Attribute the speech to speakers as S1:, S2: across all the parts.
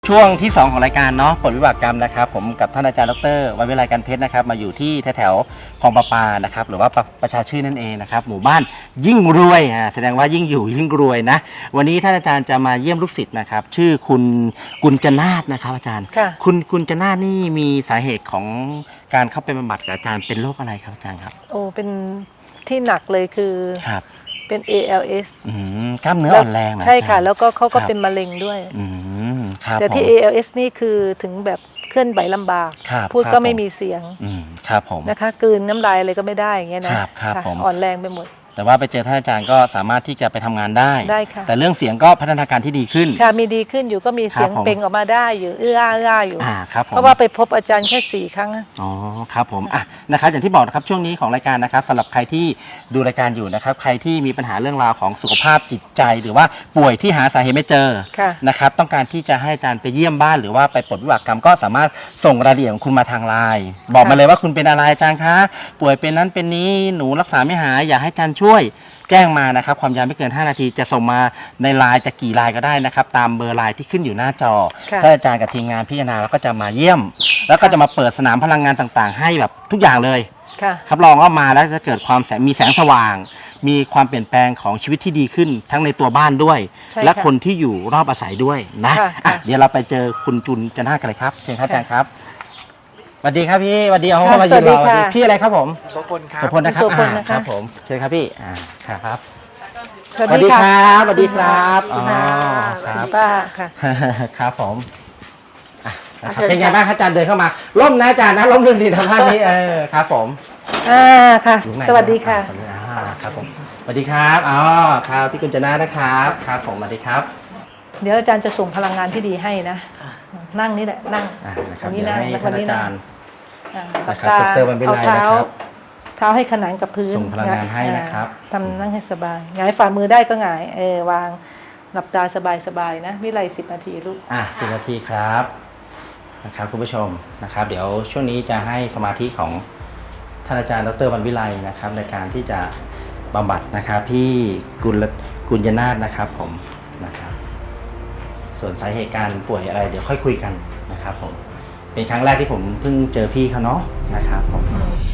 S1: ช่วงที่2ของรายการเนาะปลดวิบากกรรมนะครับผมกับท่านอาจารย์ดร.วันวิไลกันเพชรนะครับมาอยู่ที่แถวคลองประปานะครับหรือว่าประชาชื่นนั่นเองนะครับหมู่บ้านยิ่งรวยแสดงว่ายิ่งอยู่ยิ่งรวยนะวันนี้ท่านอาจารย์จะมาเยี่ยมลูกศิษย์นะครับชื่อคุณกุญจนาถนะครับอาจารย์คุณกุญจนาถนี่มีสาเหตุของการเข้าไปบำบัดกับอาจารย์เป็นโรคอะไรครับอาจารย์ครับ
S2: โอ้เป็นที่หนักเลยคือ
S1: ครับ
S2: เป็น ALS
S1: กล้ามเนื้ออ่อนแรงนะ
S2: ใช่ค่ะแล้วก็เขาก็เป็นมะเร็งด้วยแต่ที่ ALS นี่คือถึงแบบเคลื่อนไหวลำบากพูดก็ไม่มีเสียง
S1: ครับผม
S2: นะคะกลืนน้ำลายอะไรก็ไม่ได้อย่างเงี้ยนะอ่อนแรงไปหมด
S1: แต่ว่าไปเจอท่านอาจารย์ก็สามารถที่จะไปทำงานได้
S2: ค่ะ
S1: แต่เรื่องเสียงก็พัฒนาการที่ดีขึ้น
S2: ค่ะมีดีขึ้นอยู่ก็มีเสียงเป่งออกมาได้อยู่เอื้ออยู่
S1: ครับผม
S2: เพราะว่าไปพบอาจารย์แค่4 ครั้ง
S1: อ๋อครับผมนะครับอย่างที่บอกนะครับช่วงนี้ของรายการนะครับสำหรับใครที่ดูรายการอยู่นะครับใครที่มีปัญหาเรื่องราวของสุขภาพจิตใจหรือว่าป่วยที่หาสาเหตุไม่เจอนะครับต้องการที่จะให้อาจารย์ไปเยี่ยมบ้านหรือว่าไปปลดวิบากกรรมก็สามารถส่งรายละเอียดของคุณมาทางไลน์บอกมาเลยว่าคุณเป็นอะไรอาจารย์คะป่วยเป็นนั้นเป็นนี้หนูรักษาไม่หายอยากให้อาจารย์ช่วยแจ้งมานะครับความยาวไม่เกิน5 นาทีจะส่งมาในไลน์จะกี่ไลน์ก็ได้นะครับตามเบอร์ไลน์ที่ขึ้นอยู่หน้าจอถ้าอาจารย์กับทีมงานพิจารณาแล้วก็จะมาเยี่ยมแล้วก็จะมาเปิดสนามพลังงานต่างๆให้แบบทุกอย่างเลยครับรองว่ามาแล้วจะเกิดความมีแสงสว่างมีความเปลี่ยนแปลงของชีวิตที่ดีขึ้นทั้งในตัวบ้านด้วยและคนที่อยู่รอบอาศัยด้วยนะเดี๋ยวเราไปเจอคุณจุลจันทร์กันเลยครับเชิญครับอาจารย์ครับสวัสดีครับพี่สวัสดีเอามายืนรอพี่อะไรครับผม
S3: โสพลครับ
S1: โสพลนะครับครับผมเชิญครับพี่ครับสวัสดีครับสวัสดีครับอ๋อครับ
S2: ป้าค่ะ
S1: ครับผมเป็นไงบ้างอาจารย์เดินเข้ามาร่มนะอาจารย์นะร่มรื่นดีทำท่านี้ครับผม
S2: ค่ะสวัสดีค่ะ
S1: ครับผมสวัสดีครับอ๋อครับพี่กุญจนาถนะครับครับผมสวัสดีครับ
S2: เดี๋ยวอาจารย์จะส่งพลังงานที่ดีให้นะนั่งนี่แหละนั่ง
S1: นะครับเดี๋ยวให้ท่านอาจารย์
S2: นะครับดร.วันวิไลนะครับเท้าให้ขนานกับพื้น
S1: ส่งพลังงานให้นะครับ
S2: ทำนั่งให้สบายหงายฝ่ามือได้ก็หงายวางหลับตาสบายๆนะวิไล10 นาทีลูก
S1: 10 นาทีครับนะครับคุณผู้ชมนะครับเดี๋ยวช่วงนี้จะให้สมาธิของท่านอาจารย์ดร.วันวิไลนะครับในการที่จะบำบัดนะครับพี่กุญจนาถนะครับผมนะครับส่วนสาเหตุการป่วยอะไรเดี๋ยวค่อยคุยกันนะครับผมเป็นครั้งแรกที่ผมเพิ่งเจอพี่เขาเนาะนะครับผม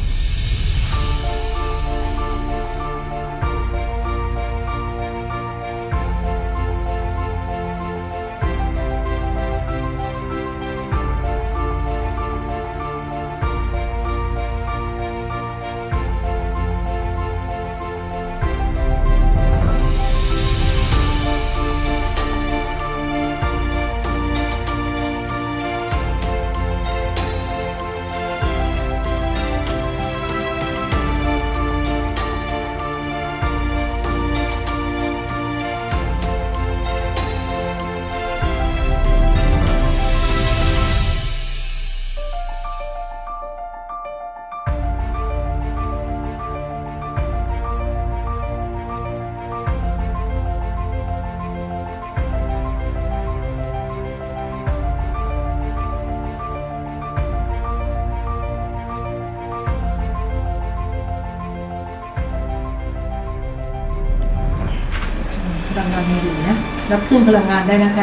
S2: พลังงานมีอยู่นะรับขึ้นพลังงานได้นะคะ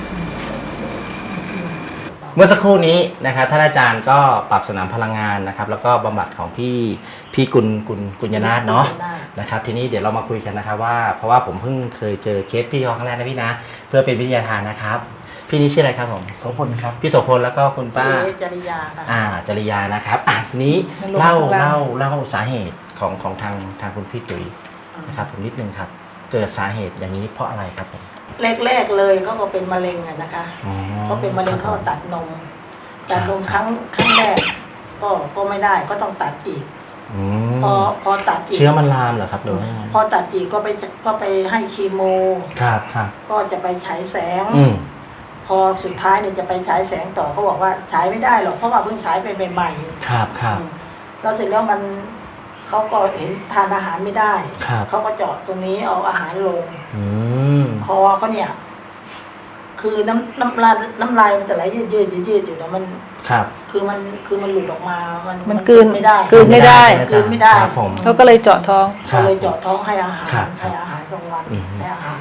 S1: เมื่อสักครู่นี้นะครับท่านอาจารย์ก็ปรับสนามพลังงานนะครับแล้วก็บำบัดของพี่กุญจนาถเนาะนะครับทีนี้เดี๋ยวเรามาคุยกันนะครับว่าเพราะว่าผมเพิ่งเคยเจอเคสพี่เขาครั้งแรกนะพี่นะเพื่อเป็นวิทยาทานนะครับพี่นี้ชื่ออะไรครับผม
S3: โสพลครับ
S1: พี่โสพลแล้วก็คุณป้า
S4: จริยา
S1: จริยานะครับทีนี้เล่าสาเหตุของทางคุณพี่ตุ๋ยนะครับผมนิดนึงครับเกิดสาเหตุอย่างนี้เพราะอะไรครับผม
S4: แรกเลยเขาก็เป็นมะเร็งนะคะเขาเป็นมะเร็งเขาตัดนมครั้งแรกก็ไม่ได้ก็ต้องตัดอีกพอตัดอีก
S1: เชื้อมันลามเหรอครับหรือว่า
S4: พอตัดอีกก็ไปให้คีโม
S1: ครับ
S4: ก็จะไปฉายแสงพอสุดท้ายเนี่ยจะไปฉายแสงต่อเขาบอกว่าฉายไม่ได้หรอกเพราะว่าเพิ่งฉายไปใหม่
S1: ๆครับ
S4: แล้วเสร็จแล้วมันเขาก็เห็นทานอาหารไม่ได้เขาก็เจาะตรงนี้เอาอาหารลงคอเขาเนี่ยคือน้ำลายมันจะไหลยืดอยู่แล้วมันคือมันหลุดออกมา
S2: มันกลืนไม่ได้
S1: ผม
S2: เขาก็เลยเจาะท้อง
S4: ให้อาหารกลางวันให้อาหาร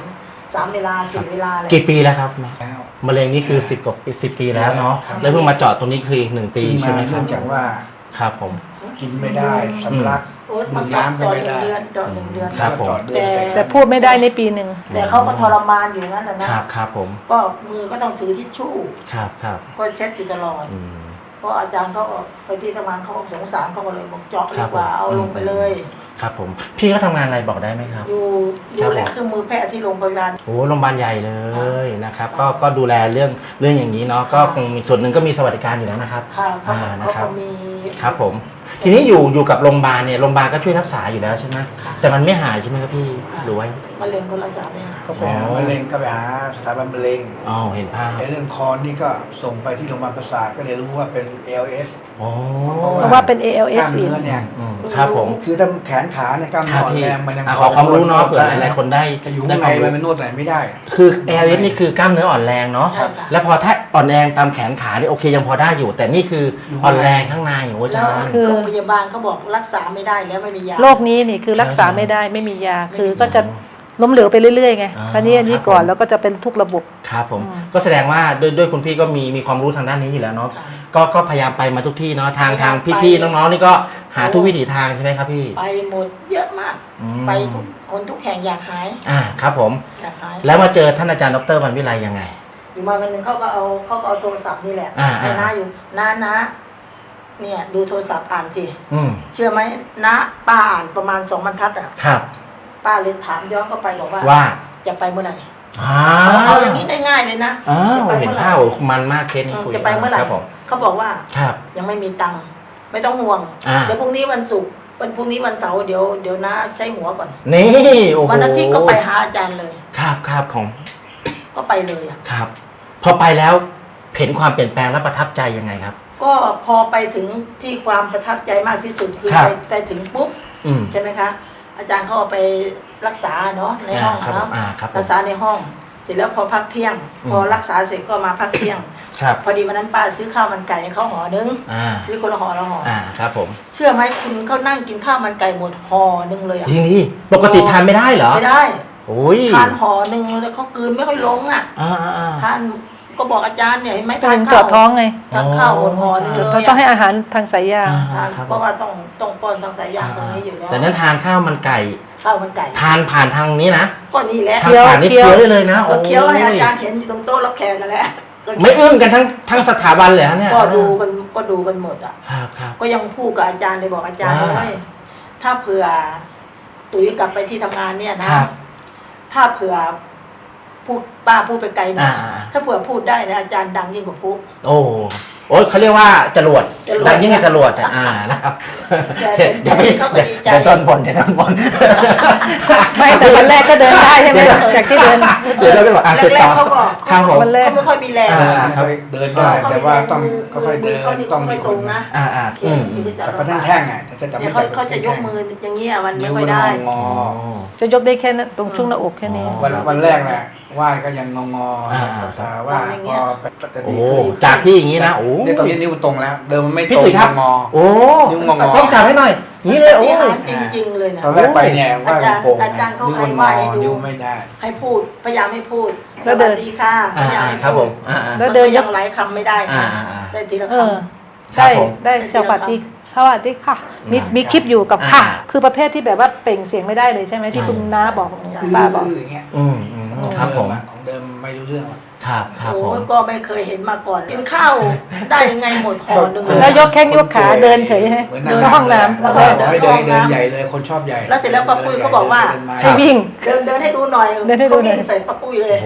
S4: 3 เวลา 4 เวลาเลย
S1: กี่ปีแล้วครับ
S3: แล้ว
S1: มะเร็งนี่คือ10 กว่าปี10 ปีแล้วเนาะ
S3: ครับ
S1: แล้วเพิ่งมาเจาะตรงนี้คืออีก1 ปีใช่ไหมครั
S3: เนื่
S1: บ
S3: องจากว่า
S1: ครับผม
S3: กินไม่ได้สำลัก
S4: โอ้ย
S3: ดื่มน้ำก็ไม่ได้
S4: เจาะ1 เดือน
S1: ครับผม
S3: ต่อเดือนเสร็จ
S2: แต่พูดไม่ได้ในปีหนึ่ง
S4: แต่เขาก็ทรมานอยู่นั่นแหละนะครับ
S1: ครับผม
S4: ก็มือก็ต้องถือทิชชู่
S1: ครับ
S4: ก็เช็ดอยู่ตลอด
S1: อืม
S4: เพราะอาจารย์เขาก็ไปที่ทำงานเขาก็สงสารเขาก็เลยบอกเจาะ
S1: ครั
S4: ดี
S1: บ
S4: กว่า
S1: ผม
S4: เอาลงไปเลย
S1: ครับผมพี่ก็ทำงานอะไรบอกได้ไหมครับ
S4: อยู่
S1: ครั
S4: ดู
S1: บ
S4: แลเครื่องมือแพทย์ที่โรงพยาบาล
S1: โอ้โรงพยาบาลใหญ่เลยนะครับก็ดูแลเรื่องอย่างนี้เนาะก็คงมีส่วนหนึ่งก็มีสวัสดิการอยู่แล้วนะครับ
S4: ค่ะเขา
S1: นะ
S4: เขา
S1: ครับ
S4: ก็มี
S1: ครับผม ทีนี้อยู่กับโรงพยาบาลเนี่ยโรงพยาบาลก็ช่วยรักษาอยู่แล้วใช่ไหม
S4: ค่ะ
S1: แต่มันไม่หายใช่ไหมครับพี่หรือว่า
S4: มะเร็งก็รักษาไม่หาย
S3: ก็ไปหามะเร็งก็ไปหาสถาบันมะเร็ง
S1: อ๋อเห็นภาพ
S3: ในเรื่องคอนี่ก็ส่งไปที่โรงพยาบาลประสาทก็เลยรู้ว่าเป็น ALS
S1: โอ้
S2: เพราะว่าเป็น
S3: ก
S2: ALS
S3: ล้าม
S2: อีก
S3: เนื้อเนี่ย
S1: ครับผม
S3: คือถ้าแขนขาเนี่ยกล้าม
S1: ค
S3: เนื้
S1: รั
S3: อบ อ่อน
S1: พี่
S3: แรงมันยัง
S1: ขอความรู้เนาะเผื่อหลายๆคนได้
S3: จะอยู่
S1: ได้
S3: ข้าง
S1: ค
S3: ใน
S1: วามรู้
S3: มันนวดไหนไม่ได้
S1: คือ ALS นี่คือกล้ามเนื้ออ่อนแรงเนาะ
S4: ใช่ค่ะ
S1: แล้วพอถ้าอ่อนแรงตามแขนขานี่โอเคยังพอได้อยู่ แต่นี่คืออ่อนแรงข้างในโอ้อา
S4: แล้
S1: จาว รย์
S2: คือ
S4: โรงพยาบาลเขาบอกรักษาไม่ได้แล้วไม่มียา
S2: โรคนี้นี่คือรักษาไม่ได้ไม่มียา คือ
S4: ไม่มี
S2: ก็จะล้มเหลวไปเรื่อยๆไง
S1: อ่า
S2: อันนี้
S1: ครับ
S2: ก่อน
S1: ผม
S2: แล้วก็จะเป็นทุกระบบ
S1: ครับผม
S2: อืม
S1: ก็แสดงว่าด้วยคุณพี่ก็มีความรู้ทางด้านนี้อยู่แล้วเนาะ
S4: ค่ะ
S1: ก็พยายามไปมาทุกที่เนาะทาง
S4: พยายามไป
S1: พี่ๆน้องๆนี่ก็หาทุกวิถีทางใช่ไหมครับพี่
S4: ไปหมดเยอะมาก
S1: อืม
S4: ไปทุกคนทุกแห่งอยากหาย
S1: ครับผม
S4: อยากหาย
S1: แล้วมาเจอท่านอาจารย์ดรวันวิไลยังไง
S4: อยู่มาวันหนึ่งเขาก็เอาโทรศัพท์นี่แหละ
S1: อ่า
S4: ให้น้าอยู่น้าเนี่ยดูโทรศัพท์อ่านสิ
S1: อืม
S4: เชื่อไหมน้าป้าอ่านประมาณ2 บรรทัดอ่ะ
S1: ครับ
S4: ป้าเลยถามย้อนเข้าไปบอกว่า
S1: ว่า
S4: จะไปเมื่อไหร่
S1: อ้า
S4: เอาอย่างนี้ง่ายๆเลยนะ
S1: อ้า
S4: จะ
S1: ว
S4: ไป
S1: เห็น
S4: เมื่อไหร่
S1: ภาพมันมากเคสนี้คุย
S4: จะไปเมื่อไหร่
S1: ครับผม
S4: เขาบอกว่า
S1: ครับ
S4: ยังไม่มีตังค์ไม่ต้องห่วง
S1: อ่า
S4: เดี๋ยวพรุ่งนี้วันศุกร์วันพรุ่งนี้วันเสาร์เดี๋ยวน้าใช้หัวก่อน
S1: นี่โอ้โห
S4: วันอาทิตย์ก็ไปหาอาจารย์เลย
S1: ครับของ
S4: ก็ไปเลยอ่ะ
S1: ครับ พอไปแล้วเห็นความเปลี่ยนแปลงและประทับใจยังไงครับ
S4: ก็พอไปถึงที่ความประทับใจมากที่สุดคือ
S1: ครับ
S4: ไปถึงปุ๊บ
S1: อืม
S4: ใช่ไหมคะ อาจารย์เขาเอาไปรักษาเนาะในห้อง
S1: ครับ
S4: เนาะ
S1: ครับผม
S4: รักษาในห้อง เสร็จแล้วพอพักเที่ยง พอรักษาเสร็จก็มาพักเที่ยง
S1: ครับ
S4: พอดีวันนั้นป้าซื้อข้าวมันไก่ให้เขาห่อนึง
S1: อ่า
S4: ซื้อคนละห่อละห่อ
S1: ครับผม
S4: เชื่อไหมคุณเขานั่งกินข้าวมันไก่หมดห่อนึงเลยอะ
S1: ทีนี้ปกติทานไม่ได้เหรอ
S4: ไม่ได้
S1: โอ้ย
S4: ทานห่อนึงแล้วเขากลืนไม่ค่อยลงอ่ะ
S1: อ่า
S4: ทานก็บอกอาจารย์เนี่ยเห็นไหม
S2: เป็
S4: ทาน
S2: นจ
S4: ข้า
S2: อ
S4: ว
S2: ดท้องไง
S4: ทานข้าวหมดห่อนึงเลย
S2: เราต้องให้อาหารทางสายยาง
S4: ทาน
S1: ครับ
S4: เพราะว่าต้องป้อนทางสายยางตรงนี้อยู่แล้ว
S1: แต่นั้นทานข้าวมันไก่
S4: ข้าวมันไก่
S1: ทานผ่านทางนี้นะ
S4: ก็นี่แหละ
S1: ทานผ่านนี่เคี้ยวได้เลยนะ
S4: ก็เคี้ยวให้อาจาร
S1: โ
S4: ย์เห็นอยู่ตรงโต๊ะรับแขกกันแหละ
S1: ไม่อึ้งกันทั้งสถาบันเลยฮะเนี่ย
S4: ก็ดูกันหมดอ่ะ
S1: ครับ
S4: ก็ยังพูดกับอาจารย์เลยบอกอาจารย์
S1: ว่า
S4: เลยถ้าเผื่อตุ๋ยกลับไปที่ทำงานเนี่ยนะครับ ถ้าเผื่อพูดป้าพูดไปไกลหนะ ถ้าเผื่อพูดได้นะอาจารย์ดังยิ่งกว่าปุ๊
S1: โอ้เขาเรียกว่าจรวด
S4: จรวด
S1: ดังยิ่งกับจรวดนะครับ
S4: แต่
S1: อย่าไป
S4: เขาก็ดีใจ
S1: เดี๋ยวต้นบนเดี๋ยวต้นบน
S2: ไม่แต่วันแรกก็เดินได้ใช่ไหมจากที่เดิน
S1: เดี๋ยวเราก็บอกเสร็จ
S4: แร
S1: ต่
S4: ก
S1: อ
S4: ๆเขาบอก
S1: ครับผม
S2: วันแรก
S4: เขาไม่ค่อยมีแรง
S1: ครับ
S3: เดินได้แต่ว่าต้องค่อยๆเดิน
S4: เขานี่
S3: ต้องมี
S4: ไม่
S3: ค
S4: ตร
S3: น
S4: งนะ
S1: อืม
S3: จับประแท่งๆไงแต่จะจับ
S4: เนี่
S3: ไม่
S4: ยเขาจะยกมืออย่างเงี้ยมันไม่ค่อยได้
S3: งอ
S2: จะยกได้แค่นั้นตรงช่วงหน้าอกแค่นี้
S3: วันแรกน่ะไหว้ก็ยังงอแต่ว่าพอจะ
S1: โอ้
S3: ดีขึ้น
S1: จากที่อย่างนี้นะโอ้
S3: เนี่ยตอนนี้นิ้วตรงแล้ว เดิมมันไม่
S1: พี่
S3: ตรง
S1: ตุ๋ยครับ
S3: งอ
S1: โอ้
S3: นิ้วงอ
S1: ต้องจับให้หน่อยนี่เลยโอ้
S4: นี่หารจริงๆเลยนะ
S3: ตอนแรกไปเนี่ยไหว้โป่ง
S4: อาจารย์เขา
S3: นิ้ว
S4: ให้
S3: มัน
S4: ไห
S3: ง
S4: ว้
S3: อ
S4: ให้ดู
S3: นิ้วไม่ได้
S4: ให้พูดพยายามให้พูดส
S2: แล้วเดิ
S4: วัน สดีค่ะพยายามให้
S1: ครับ
S4: พู
S1: ผ
S4: ด
S1: ม
S2: แล้ว
S4: มัน
S2: เดิ
S4: ก็
S2: น
S4: ยังหลายคำไม่ได้นะได้ทีละ
S2: เอ
S4: ค
S2: อ
S1: ครับ
S2: ได้
S1: ผม
S2: ได้สวัสดีค่ะมีคลิปอยู่กับค่ะ คือประเภทที่แบบว่าเปล่งเสียงไม่ได้เลยใช่ไหมที่คุณน้าบอกป้าบอก
S3: อย่างเงี้ย
S1: ครับผม
S3: ของเดิมไม่รู้เรื่อง
S1: ครับ
S4: ำ
S1: ครับผ
S4: โอ้
S1: ม
S4: ยก็ไม่เคยเห็นมาก่อนกินข้าวได้ยังไงหมดห่อหนึ่ง
S2: แล้วยกแข้งยกขาเดินเฉยใช่ไหม
S3: เหมือน
S2: เดินห้องน้ำ
S3: แล้วก็บอกให้เดินใหญ่เลยคนชอบใหญ่
S4: แล้วเสร็จแล้วป้าปุ้ยเขาบอกว่า
S2: ให้วิ่ง
S4: เดินให้ดูหน่อย
S2: เดินให้ดูหน่อย
S4: เขาวิ่งใส่ป้าปุ้ยเลย
S1: โอ้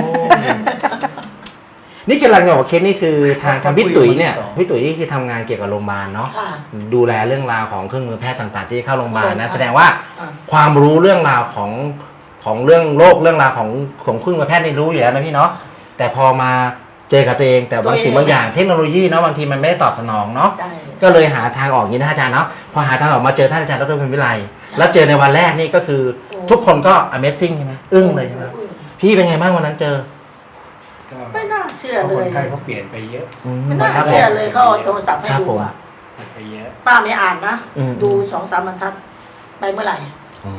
S1: นี่กำลังจะบอกเคสนี่คือทางพี่ตุ๋ยเนี่ยพี่ตุ๋ยนี่คือทำงานเกี่ยวกับโรงพยาบาลเนาะ
S4: ค่ะ
S1: ดูแลเรื่องราวของเครื่องมือแพทย์ต่างๆ ที่เข้าโรงพยาบาลนะแสดงว่า
S4: อ่า
S1: ความรู้เรื่องราวของเรื่องโรคเรื่องราวของเครื่องมือแพทย์นี่รู้อยู่แล้วนะพี่เนาะแต่พอมาเจอกับตัวเองแต่บางสิ่งบางอย่างเทคโนโลยีเนาะบางทีมันไม่ได้ตอบสนองเนาะ
S4: ใช่
S1: ก็เลยหาทางออกอย่างนี้นะอาจารย์เนาะพอหาทางออกมาเจอท่านอาจารย์ดรพิมพิไลแล้วเจอในวันแรกนี่ก็คือทุกคนก็ Amazing ใช่ไหมอึ้งเลยใช่ไหมพี่เป็นไงบ้างวันนั้นเจอ
S4: ไม่น่าเชื่อ
S3: ค
S4: เลย
S3: นไข้เขาเปลี่ยนไปเยอะ
S4: ไม่น่าเชื่อเลยเขาเอาโทรศัพท์ให้ดูอ่ะ
S3: เปลี่ยนไปเยอะ
S4: ป้าไม่อ่านนะ
S1: อืม
S4: ดู2-3 บรรทัดไปเมื่อไหร่
S1: อืม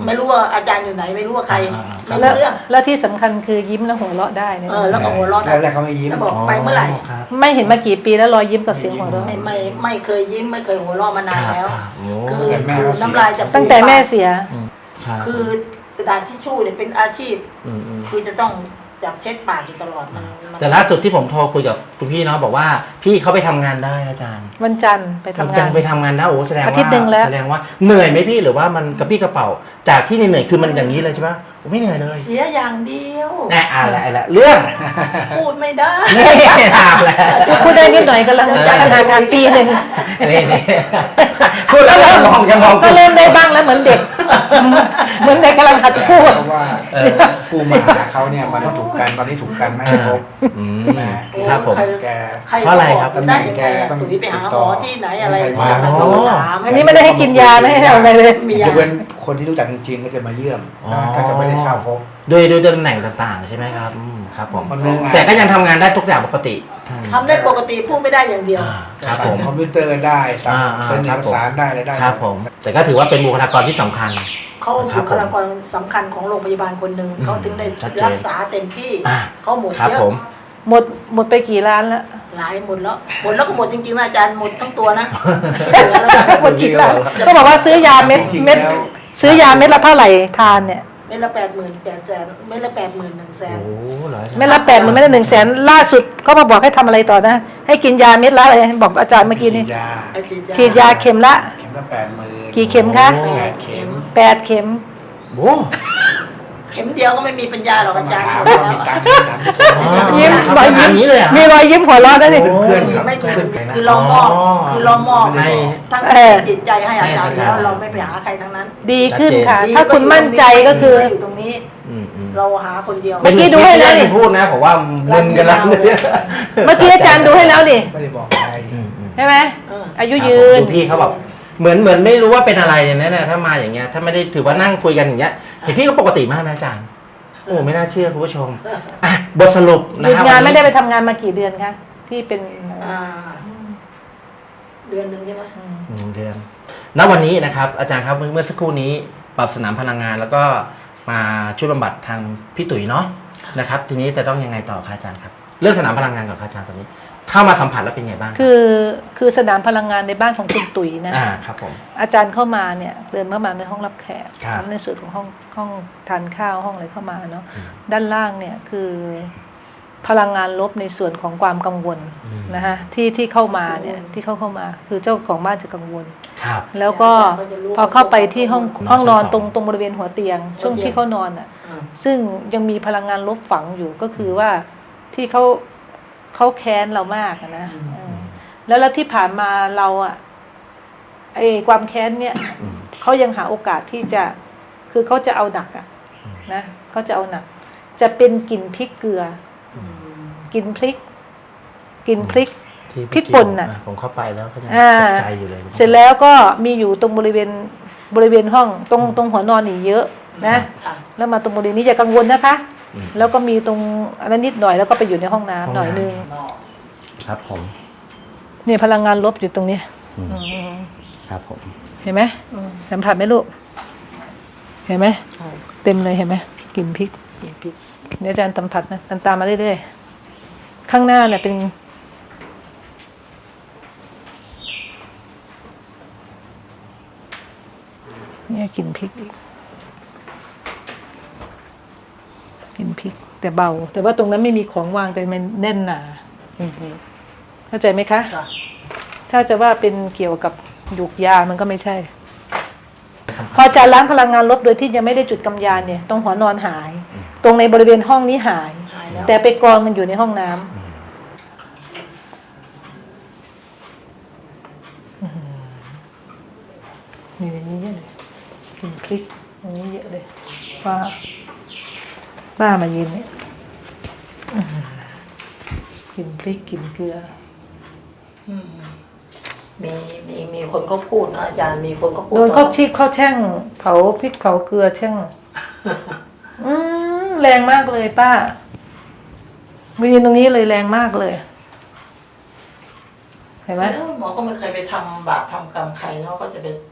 S4: ไม่รู้ว่าอาจารย์อยู่ไหนไม่รู้ว่าใคร ไม่
S2: แล้ว
S4: รู้เรื่อง
S2: แล้วที่สำคัญคือยิ้มแล้วหัวเราะได้เนี่ย
S4: แล้วก็หัวเราะ
S3: แรกๆเขาไม่ยิ้ม
S4: แล้วบอกไปเมื่อไหร่
S1: ครับ
S2: ไม่เห็นมากี่ปีแล้วรอยยิ้มกับเสียงหัวเราะ
S4: ไม่เคยยิ้มไม่เคยหัวเราะมานานแล้ว
S1: ครับโอ้
S4: คือน้ำลายจะ
S2: ตั้งแต่แม่เสีย
S1: ครับ
S4: คือกระดาษทิชชู่เนี่ยเป็นอาชีพ
S1: ม
S4: คือจะต้องจับเช็ดปากอยู่ตลอดมัน
S1: แต่ล่าสุดที่ผมโทรคุยกับคุณพี่เนาะบอกว่าพี่เขาไปทำงานได้อาจารย์
S2: วันจันทร์ไปทำงาน
S1: จังไปทำงานได้โอ้แสดง
S2: อาทิต
S1: ว่า
S2: ย์หนึ่งแล้ว
S1: แสดงว่าเหนื่อยไหมพี่หรือว่ามันกระปี้กระเป๋าจากที่เหนื่อยๆคือมันอย่างนี้เลยใช่ปะโอ้ไม่เหนื่อยเลย
S4: เสียอย่างเดียว
S1: แน่อะไรเรื่อง
S4: พูดไม่ได้
S1: นี่ถามแล้ว
S2: พูดได้นิดหน่อยกำลังจะทำงานปีหนึ่ง
S1: นี่พูดแล้วมองจะมอง
S2: ก็เริ่มได้บ้างแล้วเหมือนเด็ก เหมือนเด็กกำลังหัดพูด
S3: เพราะว่าผู้มาหาเขาเนี่ยมันถูกกันตอนนี้ถูกกันไม่ให้พบ
S1: อืม
S3: นะครับ
S1: ผม
S3: แก
S4: ใคร
S1: เพราะอะไรครับ
S4: ก็ได้ยังไงอะตุ๋ยไปหาหมอที่ไหนอะไร
S3: ใคร
S4: มา
S3: มา
S4: โทรถาม
S2: อันนี้ไม่ได้ให้กินยาไม่ให้ทำอะไรเลย
S4: มี
S3: ย
S4: ยาก
S3: เว้นคนที่รู้จักจริงๆก็จะมาเยี่ยมก็จะไม่ได้เข้าพบ
S1: ด้วยตำแหน่งต่างๆใช่ไหมครับครับผม
S3: มันเรื่องงาน
S1: แต่ก็ยังทำงานได้ทุกอย่างปกติ
S4: ทำได้ปกติพูดไม่ได้อย่างเดียว
S1: ครับผม
S3: คอมพิวเตอร์ได้สั่ง
S1: อ่า
S3: เซ็นเอกสารได้อะไรได้
S1: ครับผม แต่ก็ถือว่าเป็นบุคลากรที่สำคัญ
S4: เขา
S1: ครับ
S4: บุคลากรสำคัญของโรงพยาบาลคนหนึ่งเขาถึงได้
S1: ชัดเจน
S4: รักษาเต็มที่
S1: อ่า
S4: เขาหมด
S1: ครับ
S4: เยอะ
S1: ผม
S2: หมดไปกี่ล้านแล้ว
S4: หลายหมดแล้วก็หมดจริงๆนะอาจารย์หมดทั้งตัวนะ
S2: หมดกี่ล้านก็บอกว่าซื้อยาเม็ด
S3: จริงๆ
S2: เม็ด
S3: แล้ว
S2: ซื้อยาเม็ดละเท่าไหร่ทานเนี่ย
S4: เม็ดละ88,000เม็ดละ81,000,000
S1: โอ้เหรออาจารย์
S2: เม็ดละ80,000เม็ดละ100,000ล่าสุดเขามาบอกให้ทำอะไรต่อนะ ให้กินยาเม็ดละอะไรบอกอาจารย์เมื่อกี้นี้
S3: ฉีดยา
S4: ไปฉีด
S2: ฉีดยาเข็มละ
S3: เข็มละ80,000
S2: กี่เข็มคะ
S3: แปดเข็ม
S2: 8 เข็ม
S1: โอ้
S4: เข็มเดียวก็ไม่มีปัญญาหรอกอาจารย์
S3: ถาม
S4: หมด
S3: ว่า
S4: แล้ว
S3: มีตังค์ไหมถามทุกคน
S2: ยิ้ม
S1: ร
S2: ร
S1: อ
S2: อย ย
S1: ยิ้
S2: ยิ้
S1: ม
S2: ม
S1: นี้เลยเหรอ
S2: มีรอยยิ้มหัวเราะนะนี่
S3: เพื่อนครับ
S4: ไม่มี
S3: เพื่อนกันนะ
S4: คือเรามอบ
S1: อ๋อ
S4: คือเรามอบ
S1: ให้
S4: ทั้ง
S2: เออ
S4: จิตใจให้อาจารย์
S1: ให้
S4: แล้ว
S1: อาจารย์
S4: เราไม่ไปหาใครทั้งนั้น
S2: ดีขึ้นค่ะ
S4: ดี
S2: ถ้าคุณมั่นใจก็คือ
S4: อยู่ตรงนี้
S1: อืม
S4: เราหาคนเดียว
S2: เมื่อกี้ดูให้แล้วนี่
S1: ที่พูดนะผมว่ามึนกันแล้วเนี่ย
S2: เมื่อกี้อาจารย์ดูให้แล้วนี่
S3: ไม่ได้บอกใคร
S2: ใช่ไหม
S4: เออ
S2: อายุ
S1: ครับ
S2: ยืน
S1: ดูพี่เขาแบบเหมือนไม่รู้ว่าเป็นอะไรเนี่ยนะถ้ามาอย่างเงี้ยถ้าไม่ได้ถือว่านั่งคุยกันอย่างเงี้ยเห็นพี่ก็ปกติมากนะอาจารย์โอ้ไม่น่าเชื่อคุณผู้ชมอ่ะบทสรุป
S2: ห
S1: นะ
S2: ยุด
S1: ครับ
S2: งาน
S1: วั
S2: ไม่ได้ไปทำงานมากี่เดือนคะที่เป็น
S4: เดือนหนึ่งใช่ไหม
S1: 1 เดือนณวันนี้นะครับอาจารย์ครับเมื่อสักครู่นี้ปรับสนามพลังงาน แล้วก็มาช่วยบำบัดทางพี่ตุ๋ยเนาะนะครับทีนี้จะต้องยังไงต่อคะอาจารย์ครับเรื่องสนามพลังงานก่อนครับอาจารย์ตอนนี้เข้ามาสัมผัสแล้วเป็นไงบ้าง
S2: คือสนามพลังงานในบ้านของคุณตุ๋ยนะ
S1: ครับผม
S2: อาจารย์เข้ามาเนี่ยเดินเข้ามาในห้องรับแขก
S1: ครับ
S2: ในส่วนของห้องทานข้าวห้องอะไรเข้ามาเนาะ
S1: อืม
S2: ด้านล่างเนี่ยคือพลังงานลบในส่วนของความกังวล
S1: อืม
S2: นะคะที่เข้ามาเนี่ยที่เข้ามาคือเจ้าของบ้านจะกังวล
S1: ครับ
S2: แล้วก็พอเข้าไปที่ห้อง
S1: นอน
S2: ห้องนอน
S1: ชั้นสอง
S2: ตรงบริเวณหัวเตียง ช่วงที่เขานอนอ่ะ ซึ่งยังมีพลังงานลบฝังอยู่ก็คือว่าที่เขาแค้นเรามากอะนะเออแล้วที่ผ่านมาเราอะไอ้ความแค้นเนี่ย
S1: อืม
S2: เขายังหาโอกาสที่จะคือเขาจะเอาหนักอะนะเขาจะเอาหนัก จะเป็นกลิ่นพริกเกลืออกลิ่นพริก
S1: ที่
S2: พริกป่นน่ะ
S1: ผมเข้าไปแล้วก็ยัง
S2: อ่า
S1: ตกใจอยู่เลย
S2: เสร็จแล้วก็มีอยู่ตรงบริเวณห้องตรงหัวนอนนี่เยอะนะ แล้วมาตรงบริเวณนี้อย่ากังวลนะคะ
S1: อืม
S2: แล้วก็มีตรงอันนั้นนิดหน่อยแล้วก็ไปอยู่ในห้องน้ำหน่อยนึง
S1: ครับผม
S2: เนี่ยพลังงานลบอยู่ตรงนี้
S1: อืม
S2: อืม
S1: ครับผม
S2: เห็นไหมสัมผัสไหมลูกเห็นไหมเต็มเลยเห็นไหมกลิ่นพริกเดี๋ยวอาจารย์สัมผัสนะตามมาเรื่อยๆข้างหน้าเนี่ยเป็นเนี่ยกลิ่นพริกอีกกลิ่นพริกแต่เบา แต่ว่าตรงนั้นไม่มีของวางแต่มันแน่นหนาเข้าใจไหมคะ ถ้าจะว่าเป็นเกี่ยวกับหยูกยามันก็ไม่ใช่ พออาจารย์ล้างพลังงานลบโดยที่ยังไม่ได้จุดกำยานเนี่ยตรงหัวนอนหาย ตรงในบริเวณห้องนี้หาย
S4: แล้ว
S2: แต่ไปกองมันอยู่ในห้องน้ำนี่ในนี้เยอะเลยกลิ่นพริกอันนี้เยอะเลยป้ามายืนเนี่ยกลิ่นพริกกลิ่นเกลือ
S4: มีคนเขาพูดนะอาจารย์มีคนเขาพูด
S2: โดนเขาชีพเขาแช่งเผาพริกเผาเกลือแช่งแรงมากเลยป้ามายืนตรงนี้เลยแรงมากเลย เห็นไหม
S4: หมอก็ไม่เคยไปทำบาปทำกรรมใครเนาะก็จะไป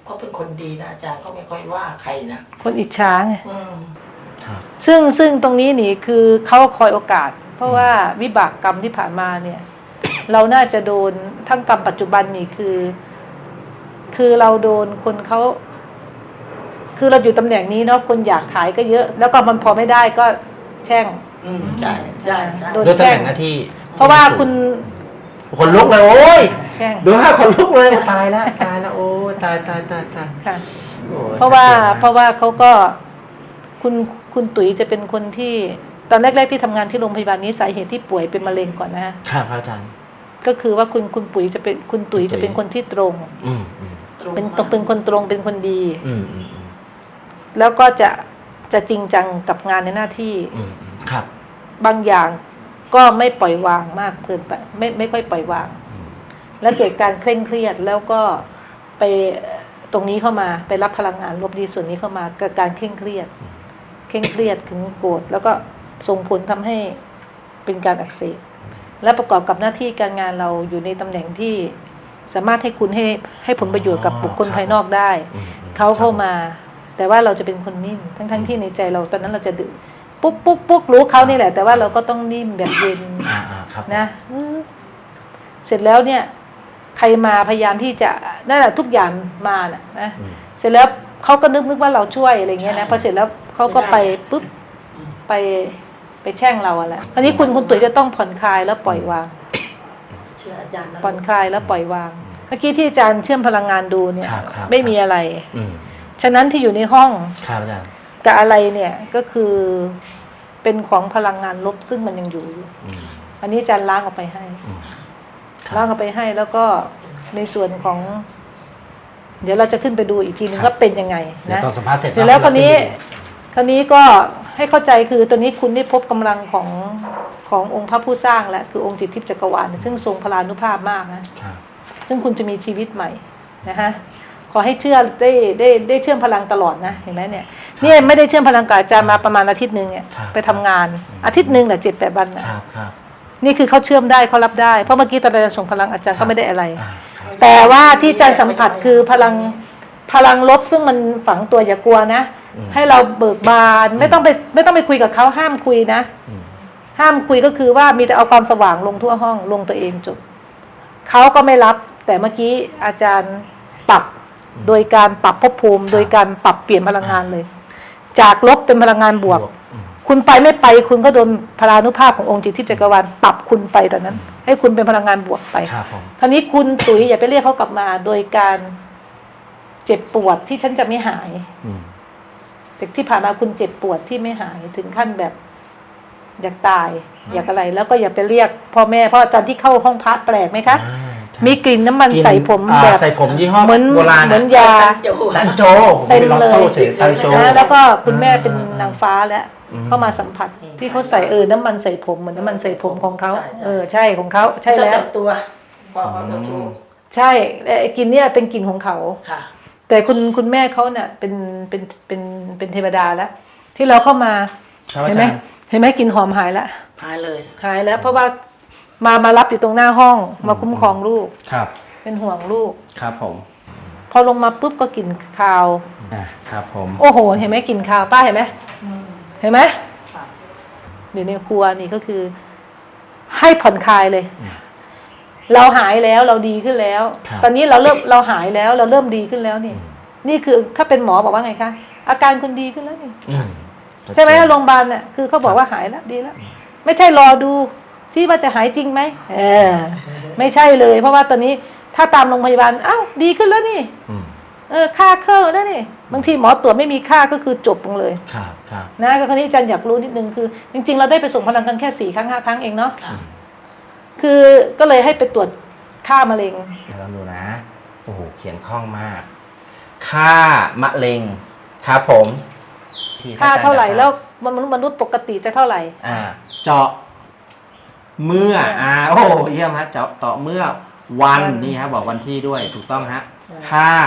S4: เขาเป็นคนดีนะอาจารย์เขาไม่ค่อยว่าใครนะ
S2: คนอิจฉาไง
S1: ครับ
S2: ซึ่งตรงนี้นี่คือเขาคอยโอกาส เพราะว่าวิบากกรรมที่ผ่านมาเนี่ย เราน่าจะโดนทั้งกรรมปัจจุบันนี่คือเราโดนคนเขาคือเราอยู่ตำแหน่งนี้เนาะคนอยากขายก็เยอะ แล้วก็มันพอไม่ได้ก็แช่ง
S4: ใช่ใช่ใช่
S2: โดน
S1: ด้วยตำแหน่งหน้าที่
S2: เพราะว่าคุณ
S1: คนลุกเลยโอ้ย
S2: แช่ง
S1: ดูว่าคนลุกเลยตายแล้วโอ้ยตาย
S2: ค่ะ
S1: โอ้ย
S2: เพราะว่า
S1: ชัดจนมก
S2: เพราะว่าเขาก็คุณตุ๋ยจะเป็นคนที่ตอนแรกๆที่ทำงานที่โรงพยาบาลนี้สาเหตุที่ป่วยเป็นมะเร็งก่อนนะฮะ
S1: ครับอาจารย์
S2: ก็คือว่าคุณตุ๋ยจะเป็นคนที่ตรง
S1: อืม
S2: เป็นคนตรงเป็นคนดี
S1: อืม
S2: แล้วก็จะจริงจังกับงานในหน้าที่
S1: ครับ
S2: บางอย่างก็ไม่ปล่อยวางมากเกินไปไม่ค่อยปล่อยวาง แล้วเกิดการเคร่งเครียดแล้วก็ไปตรงนี้เข้ามาไปรับพลังงานลบดีส่วนนี้เข้ามากับการเคร่งเครียดถึงโกรธแล้วก็ส่งผลทำให้เป็นการอักเสบและประกอบกับหน้าที่การงานเราอยู่ในตำแหน่งที่สามารถให้คุณให้ผลประโยชน์กับบุคคลภายนอกได้เขาเข้ามา แต่ว่าเราจะเป็นคนนิ่มทั้งที่ในใจเราตอนนั้นเราจะดื้อปุ๊บรู้เขานี่แหละแต่ว่าเราก็ต้องนิ่มแบบเย็น
S1: ครับ
S2: นะเสร็จแล้วเนี่ย ใครมาพยายามที่จะนั่นแหละทุกอย่างมาน่ะนะเสร็จแล้วเขาก็นึกว่าเราช่วยอะไรเงี้ยนะพอเสร็จแล้วเขาก็ไปปุ๊บไปแช่งเราอะแหละอันนี้คุณตุ๋ยจะต้องผ่อนคลายแล้วปล่อยวาง
S4: เชื่ออาจารย์นะ
S2: ผ่อนคลายแล้วปล่อยวางเมื่อกี้ที่อาจารย์เชื่อมพลังงานดูเนี่ย
S1: ครับ
S2: ไม่มีอะไร
S1: อืม
S2: ฉะนั้นที่อยู่ในห้อง
S1: ครับอาจารย์
S2: กับอะไรเนี่ยก็คือเป็นของพลังงานลบซึ่งมันยังอยู่ อันนี้อาจารย์ล้างออกไปให้ ล้างออกไปให้แล้วก็ในส่วนของ เดี๋ยวเราจะขึ้นไปดูอีกทีนึงว่าเป็นยังไง
S1: เดี๋ยว
S2: นะ
S1: ตอนสัมภาษณ์เสร็จ
S2: เสร็จแล้วคราวนี้ก็ให้เข้าใจคือตอนนี้คุณได้พบกำลังขององค์พระผู้สร้างแล้วคือองค์จิตทิพย์จักรวาลซึ่งทรงพลานุภาพมากนะครับ ซึ่งคุณจะมีชีวิตใหม่นะฮะขอให้เชื่อได้เชื่อมพลังตลอดนะเห็นไหมเนี่ยนี่ไม่ได้เชื่อมพลังกับอาจารย์มาประมาณอาทิตย์นึงเนี่ยไปทำงานอาทิตย์นึงน่ะ7-8 วันนะครับ นี่คือเขาเชื่อมได้เขารับได้เพราะเมื่อกี้ตอนอาจารย์ส่งพลังอาจารย์ก็ไม่ได้อะไร แต่ว่าที่อาจารย์สัมผัสคือพลังลบซึ่งมันฝังตัวอย่ากลัวนะให้เราเบิกบานไม่ต้องไปคุยกับเขาห้ามคุยนะห้ามคุยก็คือว่ามีแต่เอาความสว่างลงทั่วห้องลงตัวเองจบเขาก็ไม่รับแต่เมื่อกี้อาจารย์ปรับโดยการปรับภพภูมิโดยการปรับเปลี่ยนพลังงานเลย จากลบเป็นพลังงานบวกคุณไปไม่ไปคุณก็โดนพลานุภาพขององค์จิตทิพย์จักรวาลปรับคุณไปตอนนั้น ให้คุณเป็นพลังงานบวกไปทีนี้คุณตุ๋ยอย่าไปเรียกเขากลับมาโดยการเจ็บปวดที่ฉันจะไม่หายแต่ที่ผ่านมาคุณเจ็บปวดที่ไม่หายถึงขั้นแบบอยากตายอยากอะไรแล้วก็อย่าไปเรียกพ่อแม่เพราะตอนที่เข้าห้องพระแปลกไหมคะมีกลิ่นน้ำมันใส่ผมแบบ
S1: ใส่ผมยี่ห้อ
S2: เหมือน
S1: โบราณ
S2: เหมือนยา
S1: ตันโจ
S2: เต็ม
S1: เป็นลอ
S2: เล
S1: โซ่
S2: ย
S1: เฉยตันโจ
S2: นะแล้วก็คุณแม่เป็นนางฟ้าแล้วเข้ามาสัมผัสที่เขาใส่น้ำมันใส่ผมเหมือนน้ำมันใส่ผมของเขาใช่ของเขาใช่แล้ว
S4: จับตัวพอเขาจะโชว์
S2: ใช่ไอ้กลิ่นเนี่ยเป็นกลิ่นของเขา
S4: ค่ะ
S2: แต่คุณแม่เขาเนี่ยเป็นเทวดาแล้ว ที่เราเข้ามา
S1: ครับ
S2: เห็นไหม
S1: อาจารย์
S2: เห็นไหมกลิ่นหอมหายแล้ว
S4: หายเลย
S2: หายแล้ว เพราะว่ามารับอยู่ตรงหน้าห้องมาคุ้มครองลูก
S1: ครับ
S2: เป็นห่วงลูก
S1: ครับผม
S2: พอลงมาปุ๊บก็กลิ่นคาว
S1: ครับผม
S2: โอ้โหเห็นไหมกลิ่นคาวป้าเห็นไหมเห็นไหมอยู่ในครัวนี่ก็คือ ให้ผ่อนคลายเลย เราหายแล้วเราดีขึ้นแล้ว ตอนนี้เราหายแล้วเราเริ่มดีขึ้นแล้วนี่นี่คือถ้าเป็นหมอบอกว่าไงคะอาการคุณดีขึ้นแล้วนี่ใช่ไหมโรงพยาบาลเนี่ยคือเขาบอกว่าหายแล้วดีแล้วไม่ใช่รอดูที่ว่าจะหายจริงไหมไม่ใช่เลย เพราะว่าตอนนี้ถ้าตามโรงพยาบาลอ้าวดีขึ้นแล้วนี่ค่าเครื่องแล้วนี่บางทีหมอตรวจไม่มีค่าก็คือจบลงเลยนะก็คราวนี้อาจารย์อยากรู้นิดนึงคือ จริงๆเราได้ไปส่งพลังกันแค่4 ครั้ง 5 ครั้งเองเนาะคือก็เลยให้ไปตรวจค่ามะเร็ง
S1: เดี๋ยวเราดูนะโอ้โหเขียนคล่องมาก ค่ามะเร็งครับผม
S2: ค่าเท่าไหร่แล้วมนุษย์ปกติจะเท่าไหร่
S1: เจาะเมื่อโอ้เยี่ยมฮะเจาะเมื่อวันนี่ฮะบอกวันที่ด้วยถูกต้องฮะค่า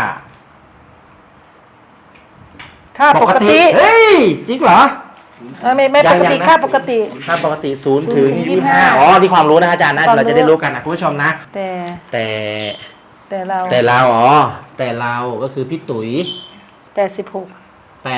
S2: ปกติ
S1: เฮ้ยจริงเหรอ
S2: ไม่ปกติค่าปกติ
S1: 0 ถึง 25อ๋อนี่ความรู้นะอาจารย์นะเราจะได้รู้กันนะคุณผู้ชมนะแต่
S2: แต่เรา
S1: แต่เราแต่เราก็คือพี่ตุ๋ย
S2: 86.3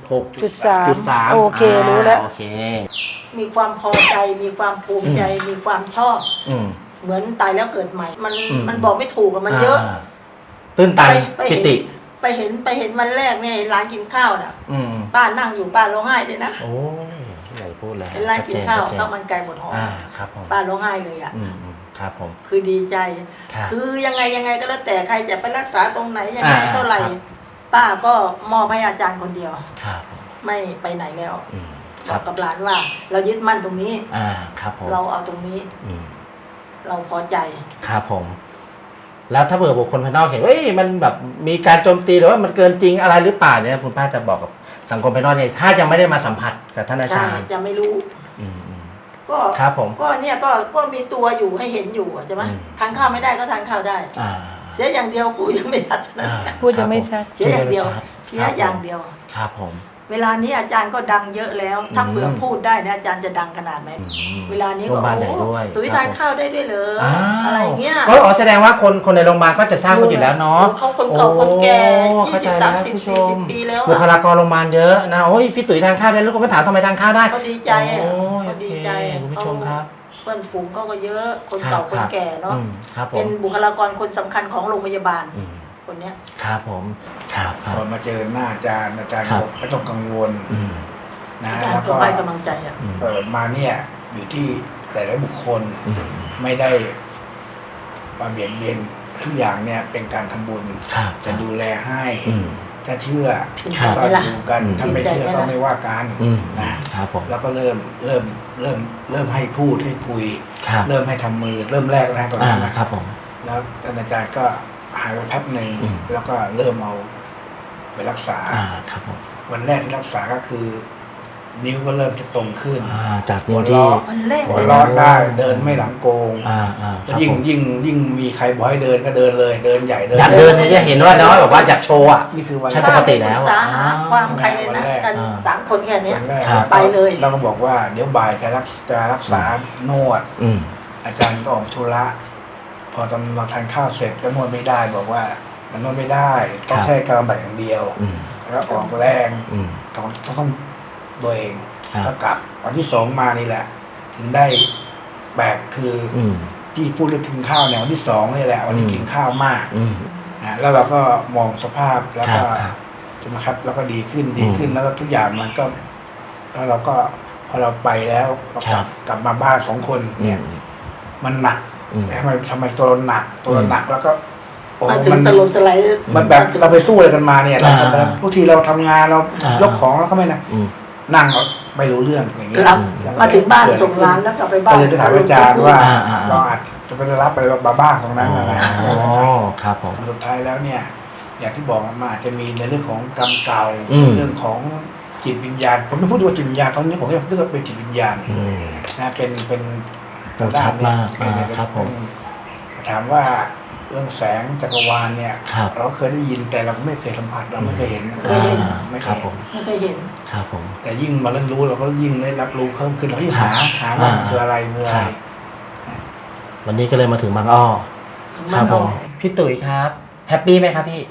S1: 86.3
S2: โอเครู้แล้ว
S1: โอเค
S4: มีความพอใจมีความภูมิใจมีความชอบ
S1: อืม
S4: เหมือนตายแล้วเกิดใหม่ มัน
S1: อืม
S4: มันบอกไม่ถูกอะมันเยอะ
S1: าตื้นตัน
S4: ไป
S1: ปิ
S4: เห็น
S1: ติ
S4: ไปเห็นวันแรกเนี่ยร้านกินข้าวน่ะ
S1: อืม
S4: ป้านั่งอยู่ป้าร้องไห้เลยนะ
S1: โอ้ยใหญ่พูดเลย
S4: เห็นร้านกินข้าว
S1: ชัดเจ
S4: ข้าวมันไก่หมดหอม
S1: ครับผม
S4: ป้าร้องไห้เลยอ่ะ
S1: ครับผม
S4: คือดีใจ
S1: ครับ
S4: คือยังไงก็แล้วแต่ใครจะไปรักษาตรงไหนยังไง
S1: อ่า
S4: เท่าไหร่
S1: ครับ
S4: ป้าก็มอบให้อาจารย์คนเดียว
S1: ครับผม
S4: ไม่ไปไหนแล้ว
S1: อืม
S4: บ
S1: ครั
S4: อบ กกับหลานว่า เรายึดมั่นตรงนี้
S1: ครับผม
S4: เราเอาตรงนี้
S1: อืม
S4: เราพอใจ
S1: ครับผม แล้วถ้าเผื่อบุคคลภายนอกเห็นว่ามันแบบมีการโจมตีหรือว่ามันเกินจริงอะไรหรือเปล่าเนี่ยคุณป้าจะบอกกับสังคมภายนอกเนี่ยถ้ายังไม่ได้มาสัมผัสกับท่านอา
S4: ใช่
S1: จารย์
S4: จะไม่รู้
S1: อืม
S4: ก็
S1: ครับผม
S4: ก็เนี่ยก็มีตัวอยู่ให้เห็นอยู่อะใช่ไหม
S1: อืม
S4: ทานข้าวไม่ได้ก็ทานข้าวได้
S1: อ่า
S4: เสียอย่างเดียวกูยังไม่ทันนะ
S2: พูดยังไม่ชัด
S4: เสียอย่างเดียว
S1: ครับ
S4: เสียอย่างเดียว
S1: ครับผม
S4: เวลานี้อาจารย์ก็ดังเยอะแล้ว ถ้า
S1: อืม
S4: เผื่อพูดได้เนี่ยอาจารย์จะดังขนาดไหน
S1: อืม
S4: เวลานี้
S1: โร
S4: ก็
S1: งพยาบาลใหญ่ด้วย
S4: ตุ้ย
S1: ครั
S4: ทา
S1: บ
S4: น
S1: ผม
S4: ข้าวได้ด้วยเหรอ
S1: อ้าว
S4: อะไรเงี้ย
S1: ก็แสดงว่าคนในโรงพยาบาลก็จะทราบกันอยู่แล้วเนาะ
S4: เขาคนเก่าคนแก่
S1: โอ้
S4: ยี่
S1: เข้า
S4: สิ
S1: ใจ
S4: บ
S1: แล้
S4: สาว มสิบ
S1: ผู้ช
S4: สี่สิ
S1: ม
S4: บปีแล้ว
S1: บุค
S4: อะ
S1: ลากรโรงพยาบาลเยอะนะโอ้ยพี่ตุ๋ยทานข้าวได้ลูกก็ถามทำไมทานข้าวได้
S4: เขาดีใจอะ
S1: โอ้ย
S4: เขาดีใจ
S1: โอเคคุณผู้ชมครับ
S4: เพื่อนฝูงเขาก็เยอะคน
S1: ครั
S4: เก่า
S1: บ
S4: คนแก่เนาะ
S1: ครับผ
S4: เป็
S1: ม
S4: นบุคลากรคนสำคัญของโรงพยาบาล
S1: อืม
S4: คนเนี้ย
S1: ครับผมครับครั
S3: พ
S1: บ
S3: อมาเจอหน้าอาจารย์ก็
S1: ครับ
S3: บอกไม่ต้องกังวล
S1: อืม
S3: นะ
S4: อาจาร
S3: แล้ว
S4: ย์ก็
S3: ก็
S4: ให้กำลังใจอ่ะ
S1: อืม
S3: มาเนี่ยอยู่ที่แต่ละบุคคล
S1: อืม
S3: ไม่ได้มาเบียดเบียนทุกอย่างเนี่ยเป็นการทำบุญ
S1: ครับ
S3: จะดูแลให้
S1: อืม
S3: ถ้าเชื่อ
S1: ครับ
S3: ก็ดูกัน
S1: อืม
S3: ถ้าไม่เชื่อก็ไม่ว่ากัน
S1: อืม
S3: นะครับ
S1: ผม
S3: แล้วก็เริ่มให้พูดให้คุย
S1: ครับ
S3: เริ่มให้ทำมือเริ่มแรกนะตอนนั้นนะ
S1: ครับผม
S3: แล้วท่านอาจารย์ก็หายไปแป๊บหนึ่ง
S1: อืม
S3: แล้วก็เริ่มเอาไปรักษา
S1: ครับผม
S3: วันแรกที่รักษาก็คือ นิ้วก็เริ่มจะตรงขึ้น
S1: จากนิ้วที่
S4: มันแรก
S3: หั
S4: เล
S3: วย เราะได้เดินไม่หลังโกง
S1: ครับ
S3: ยิ่ง
S1: ผม
S3: ยิ่งมีใครบอกให้เดินก็เดินเลย เดินใหญ่เดิน
S1: อยากเดินเนี่ยจะเห็นว่าน้อยแบบว่าอยากโชว์อ่ะ
S3: นี่คือวัน
S1: ใช่
S3: แร
S1: ป
S3: ก
S1: กติแล้ว
S4: ปรึกษาหาความใครเลยนะ
S3: วันแรก
S4: กัน
S1: อ่า
S4: 3 คนแค่เนี้ย
S3: วันแรก
S1: ครับ
S4: ไปเลย
S3: เราก็บอกว่าเดี๋ยวบ่ายจะรักษานวด
S1: อืม
S3: อาจารย์ก็ออกธุระพอตอนเราทานข้าวเสร็จก็นวดไม่ได้บอกว่ามันนวดไม่ได้ต้องใช้กำลังแบบอย่างเดียว
S1: อืม
S3: แล้วออกแรง
S1: อืม
S3: ต้องตัวเอง
S1: ครับ
S3: ก็กลับวันที่2มานี่แหละ ถึงได้แบกคืออ
S1: อืม
S3: ที่พูดเรื่องกินข้าวเนี่ยวันที่2นี่แหละวันที่
S1: อืม
S3: กินข้าวมาก
S1: อืม
S3: นะแล้วเราก็มองสภาพแล้วก็
S1: ครับ
S3: ใช่ไหมครับแล้วก็ดีขึ้น
S1: อืม
S3: แล้วก็ทุกอย่างมันก็แล้วเราก็พอเราไปแล้วเรา
S1: ครับ
S3: กลับมาบ้าน2 คนเนี่ยมันหนัก
S1: อืม
S3: ทำไมตัวเราหนักตัวเราหนักแล้วก็โอ้
S4: มาถึง
S3: มัน
S4: สลบสลาย
S3: มันแบบเราไปสู้อะไรกันมาเนี่ยเรา
S1: อ่า
S3: บางทีเราทำงานเรา
S1: อ่าย
S3: ยกของแล้วก็ไม่นะ
S1: อืม
S3: นั่งเราไม่รู้เรื่องอย่างเงี้ย
S4: รับ
S3: แล้วก็
S4: มาถึงบ้าน
S3: เกิด
S4: ส่งร้านแล้วกลับไปบ้า
S3: ก็
S4: น
S3: เลยไปถามอาจารย์ว่า
S1: อ่า
S3: เราอาจจะไปรับไปบ้านตรงนั้นนะ
S1: อ๋อครับผม
S3: สุดท้ายแล้วเนี่ย อย่างที่บอกมันอาจจะมีในเรื่องของกรรมเก่า
S1: อืม
S3: เรื่องของจิตวิญญาณผมไม่พูดว่าจิตวิญญาณตอนนี้ผมยังเรียกว่าเป็นจิตวิญญาณ
S1: อืม
S3: นะเป็น
S1: โอ้ชัดมาก ครับผม
S3: ถามว่าเรื่องแสงจักรวาลเนี่ย
S1: ครับ
S3: เราเคยได้ยินแต่เราไม่เคยสัมผัสเราไม่เคยเห็น
S4: เคยเห็น
S3: ไม่เค
S1: ครับ
S3: ย
S1: ผม
S4: ไม่เคยเห็น
S1: ครับผม
S3: แต่ยิ่งมาเริ่มรู้เราก็ยิ่งได้รับรู้เพิ่มขึ้นเรายิ่ง
S1: ครับ
S3: หาว่ามัน
S1: อ่า
S3: คืออะไรคืออะไร
S1: ครับ วันนี้ก็เลยมาถึงบางอ้อ ครับผม พี่ตุ๋ยครับ แฮปปี้ไหมครับพี่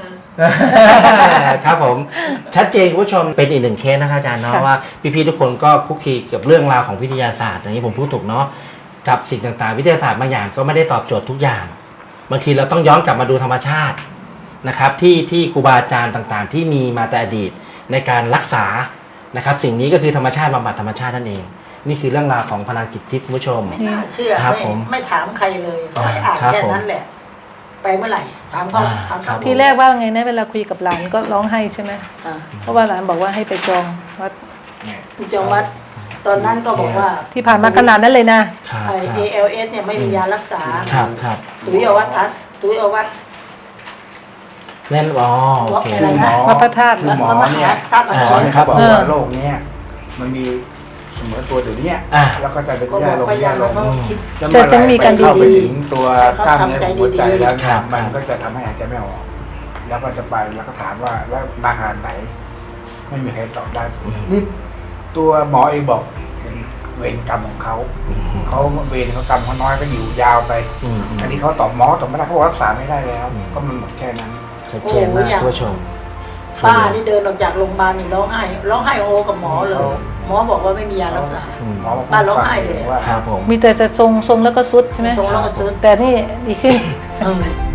S1: ครับผม ชัดเจนคุณผู้ชมเป็นอีกหนึ่งเคสนะคะอาจารย์เนาะ
S2: ค่ะ
S1: ว่าพี่ๆทุกคนก็คุกคีกับเรื่องราวของวิทยาศาสตร์อย่างนี้ผมพูดถูกเนาะกับสิ่งต่างๆ วิทยาศาสตร์บางอย่างก็ไม่ได้ตอบโจทย์ทุกอย่าง บางทีเราต้องย้อนกลับมาดูธรรมชาตินะครับที่ครูบาอาจารย์ต่างๆ ที่มีมาแต่อดีตในการรักษานะครับสิ่งนี้ก็คือธรรมชาติบำบัดธรรมชาตินั่นเอง นี่คือเรื่องราวของพลังจิตทิพย์คุณผู้ชม
S4: ไม่น่าเชื่อ
S1: ครับ
S4: ไม่
S1: ผม
S4: ไม่ถามใครเลยไม่อ่าน
S1: ครับ
S4: แค่
S1: ผม
S4: นั้นแหละ ไปเมื่อไหร่ถามเขา
S1: อ่า
S4: ถาม
S1: ครั
S4: เขา
S1: บ
S2: ทีแรกว่าไงนะเวลาคุยกับหลานก็ร้องไห้ใช่ไหม
S4: อ่า
S2: เพราะว่าหลานบอกว่าให้ไปจองวัด
S3: เนี่ย
S4: คุณจงวัด ตอนนั้นก็บอกว่า
S2: ที่ผ่านมาขนาดนั้นเลยนะ
S1: ครับ
S4: ไอ
S1: ครับ
S4: ALS เนี่ยไม่มียารักษา
S1: ครับครับ
S4: ตุ้ยเอาวัดพัสตุ้ยเอาวัด
S1: เล่นอ๋อโอเค
S4: อะไรนะ
S2: วัดพระธาตุ
S3: คือหมอเนี่ย
S4: ธาตุม
S3: หม
S4: หา
S3: อเนี่ยเขาบอก
S2: เออ
S3: ว่าโรคเนี้ยมันมีเสมอตัวอยู่เนี่ย
S1: อ่า
S3: แล้วก็จะเป็น
S4: ก็บ
S3: แย่
S4: อก
S3: ลง
S4: พยา
S3: แย่
S4: ยาม
S3: ล
S4: แล้ว
S3: ง
S4: ก็คิด
S3: แล้ว
S2: จะมีการ
S3: เข้าไป
S2: ดีๆ
S3: ถึงตัวกล้ามเนื้อของหัวใจแล้ว
S1: ครับ
S3: มันก็จะทำให้หายใจไม่ออก แล้วก็จะไปแล้วก็ถามว่าแล้วมาขนาดไหน ไม่มีใครตอบได้
S1: อืม
S3: นี่ตัวหมอเองบอกเวรกรรมของเขาเวรเขากรรมเขาน้อยก็อยู่ยาวไปอันนี้เขาตอบหมอตอบไม่ได้เขาบอกรักษาไม่ได้แล้วก็มันหมดแค่นั้น
S1: ชัดเจนมากคุณผู้ชม
S4: ป้านี่เดินออกจากโรงพยาบาลนี่ร้องไห้โอกับหมอเลยหมอบอกว่าไม่มียารักษา
S3: หมอบอก
S4: ป้าร้องไห้เลย
S3: ว่า
S1: ครับผม
S2: มีแต่จะทรงแล้วก็สุดใช่ไหม
S4: ทรงแล้วก็สุด
S2: แต่นี่ดีขึ้น
S4: เออ